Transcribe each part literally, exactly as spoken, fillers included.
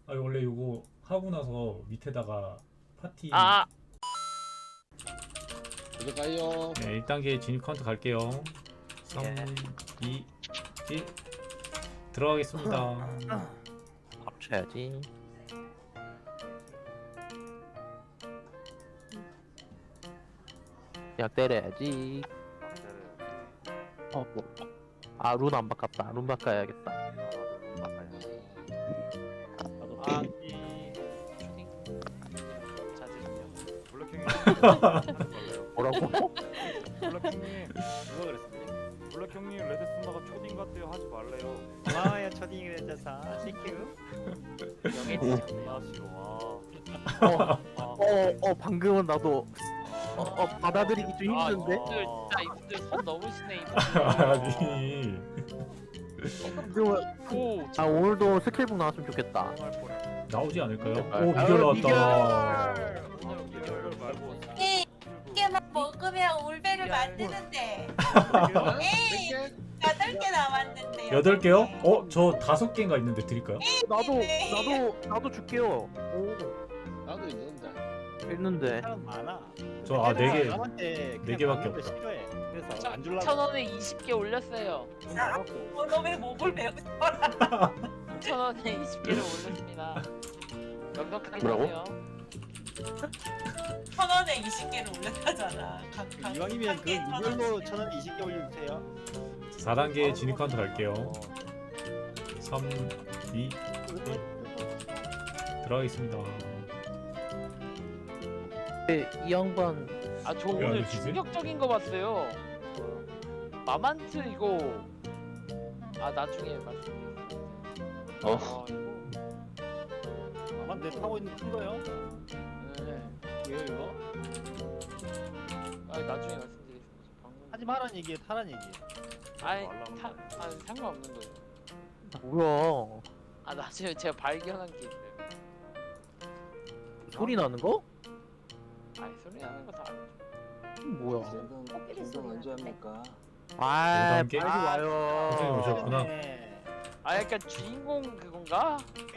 아 원래 이거 하고 나서 밑에다가 파티. 아, 들어가요. 네, 일 단계 진입 카운트 갈게요. 삼, 예. 이, 일 들어가겠습니다. 합쳐야지. 약 때려야지. 어, 뭐. 아, 룬 안 바꿨다. 룬 바꿔야겠다. 아, 이 초딩 자제는요. 블랙킹님 하지 말래요. 뭐라고? 블랙킹님, 누가 그랬습니까? 블랙킹님 레드 스나가 초딩 같대요. 하지 말래요. 고마워요 초딩이 되셔서 땡큐. 나 싫어. 와. 어, 어, 어, 방금은 나도 어, 어, 받아들이기 좀 아, 힘든데? 이분들 진짜 이분들 선 넘으시네 이분들. 아니 방금은 오, 아, 오늘도 스킬북 나왔으면 좋겠다. 할 뻔해. 나오지 않을까요? 아유, 오 미결 나왔다. 아, 이걸 말고. 이 개만 먹으면 올배를 만드는데 에이 여덟 개 남았는데 여덟 개요? 어? 저 다섯 개인가 있는데 드릴까요? 나도 나도 나도 줄게요. 오, 나도 있는데. 있는데. 사람 많아. 저 아 네 개. 남한테 네 개밖에 없다. 싫어해. 그래서 안 줄라고. 천 원에 이십 개 올렸어요. 어, 너왜 목을 배우더라 천 원에 이십 개를 올렸습니다. 넉넉하게 뭐라고? 사세요. 천 원에 이십 개를 올렸다잖아 각, 각, 이왕이면 각 그 개에 천 이걸로 원씩. 천 원 이십 개 올려주세요. 사 단계 진입 카운트 갈게요. 삼, 이 들어가겠습니다. 네, 이 양반 아, 저 야, 오늘 이거 진짜? 충격적인 거 봤어요. 마만트 이거 아 나중에 말씀드릴게요. 어. 아, 이거 아마 내 타고 있는 큰 거요? 네. 왜요 이거? 아, 나중에 말씀드리겠습니다. 방금 하지 말란 얘기에 타란 얘기. 아니 말라는 타, 아 상관없는 거예요. 뭐야? 아 나중에 제가 발견한 게 있어요. 소리 나는 거? 아니 소리 나는 거 다 알죠. 뭐야? 지금 지금 언제 합니까? 아, 오 단계? 빨리 와요. 선생님 오셨구나. 네. 아 약간 주인공 그건가?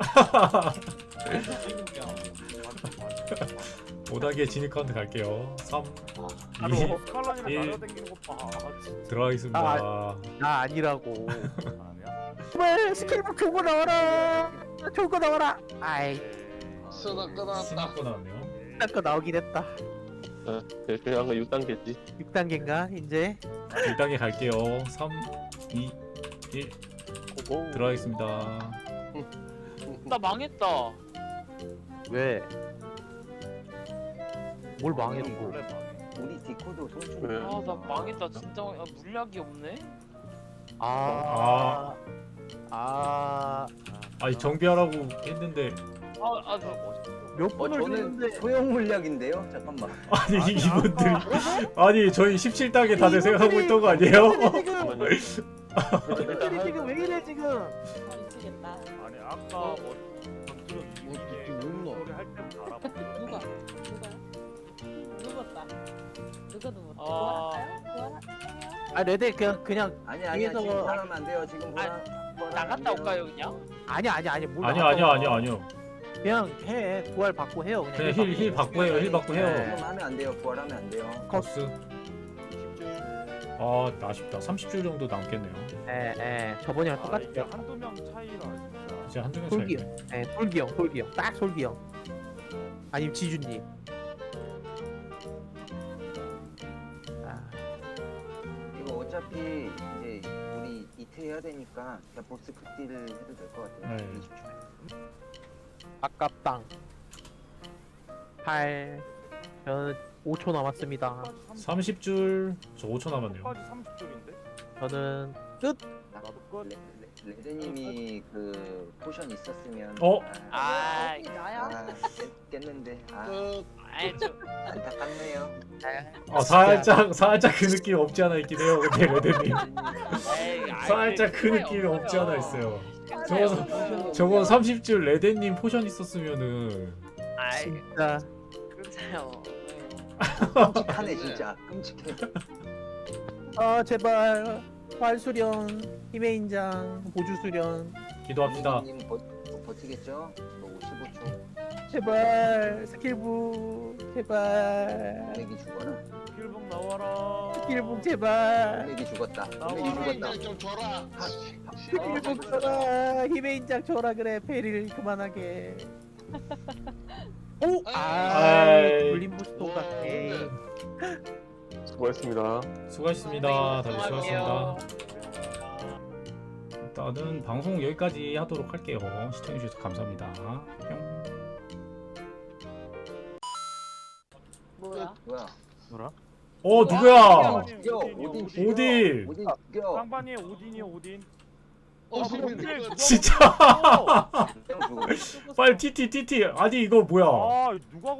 오 단계 진입 카운트 갈게요. 삼, 바로 이 스칼란이랑 일. 날아다니는 거 봐. 아, 진짜. 들어가겠습니다. 나 아니라고. 아니야? 왜 스킬북 좋은 거 나와라. 좋은 거 나와라. 아이, 수나 끊어놨다. 신입 거 나왔네요. 딴거 나오긴 했다. 어, 그냥 육 단계지. 육 단계인가 이제? 일 단계 갈게요. 삼, 이, 일 고고. 들어가겠습니다. 나 망했다. 왜? 뭘 망했고? 원래 망해. 우리 디코도 손좀 왜? 아 나 망했다 진짜. 아, 물약이 없네. 아, 아, 아니 정비하라고 했는데 아아 몇 어, 번을 저는 했는데? 소형 물약인데요? 잠깐만. 아니 이분들 아니 저희 십칠 단계 다들 생각하고 있던 거 아니에요? 이분들이 지금 왜 이래 지금? 미치겠다 아니 아까 뭐 방금 이게 누구? 소리 할 때부터 알아봤어. 누가? 누가? 누웠다 누가 누웠다? 아. 아, 레드 그냥 그냥 아니 아니야 뒤에서 지금 뭐- 보라면 안 돼요. 지금 보라. 보라면 나갔다 안 돼요. 올까요 그냥? 아니 아니 아니 뭘 아니요 나갔다 아니요 와. 아니요 아니요. 그냥 해 부활 받고 해요 그냥. 그냥 힐 힐 받고 해요. 힐 받고 해요. 지금 하면 안 돼요. 부활하면 안 돼요. 커스. 이십 줄. 아 아쉽다. 삼십 줄 정도 남겠네요. 에에 저번이랑 아, 똑같죠. 이게 한두 명 차이라 진짜. 이제 한두 명 솔기 차이. 형, 예, 솔기 형, 솔기 형, 딱 솔기 형. 아니면 지준님. 아, 이거 어차피 이제 우리 이틀 해야 되니까 그냥 보스 극딜을 해도 될 것 같아요. 네. 이십 줄. 아깝당. 팔. 저는 오 초 남았습니다. 삼십 줄. 저 오 초 남았네요. 끝까지 삼십 줄인데? 저는 끝. 나도 끝. 레, 레, 레드님이 그 포션 있었으면 어? 아, 아이 아 깼, 깼는데 아 끝. 아이 좀 안타깝네요. 아 살짝 살짝 그 느낌 없지 않아 있긴 해요. 근데 레드님 에이, 아이, 살짝 그 그게 느낌이 없지 않아 있어요. 괜찮아요. 저거 저거 삼십 줄 레드님 포션 있었으면은 아이 진짜. 괜찮아요. 끔찍하네 진짜. 끔찍해. 아 제발. 활 수련, 힘의 인장, 보주 수련. 기도합시다. 레드님 버, 버티겠죠? 너 오십오 초. 제발 스킬북 제발 오맥이 죽어라. 필북 나와라. 스킬북 제발 오맥이 죽었다. 오맥이 나와라. 죽었다. 좀 줘라. 스킬북 줘라 힘의 인장 줘라 그래 페리를 그만하게 오! 아 아이. 돌림 부스도 같아 수고했습니다. 수고하셨습니다. 다들 수고할게요. 수고하셨습니다. 일단은 방송 여기까지 하도록 할게요. 시청해주셔서 감사합니다. 뿅. 뭐야? 뭐야? 뭐라? 어 누구야? 죽여. 오딘 죽여. 오딘. 오딘 죽여. 쌍반이 오딘이요 오딘. 어, 아, 지금 근데 누가 진짜 먹었어? 형 죽어. 빨리 티티 티티. 아니 이거 뭐야? 아 누가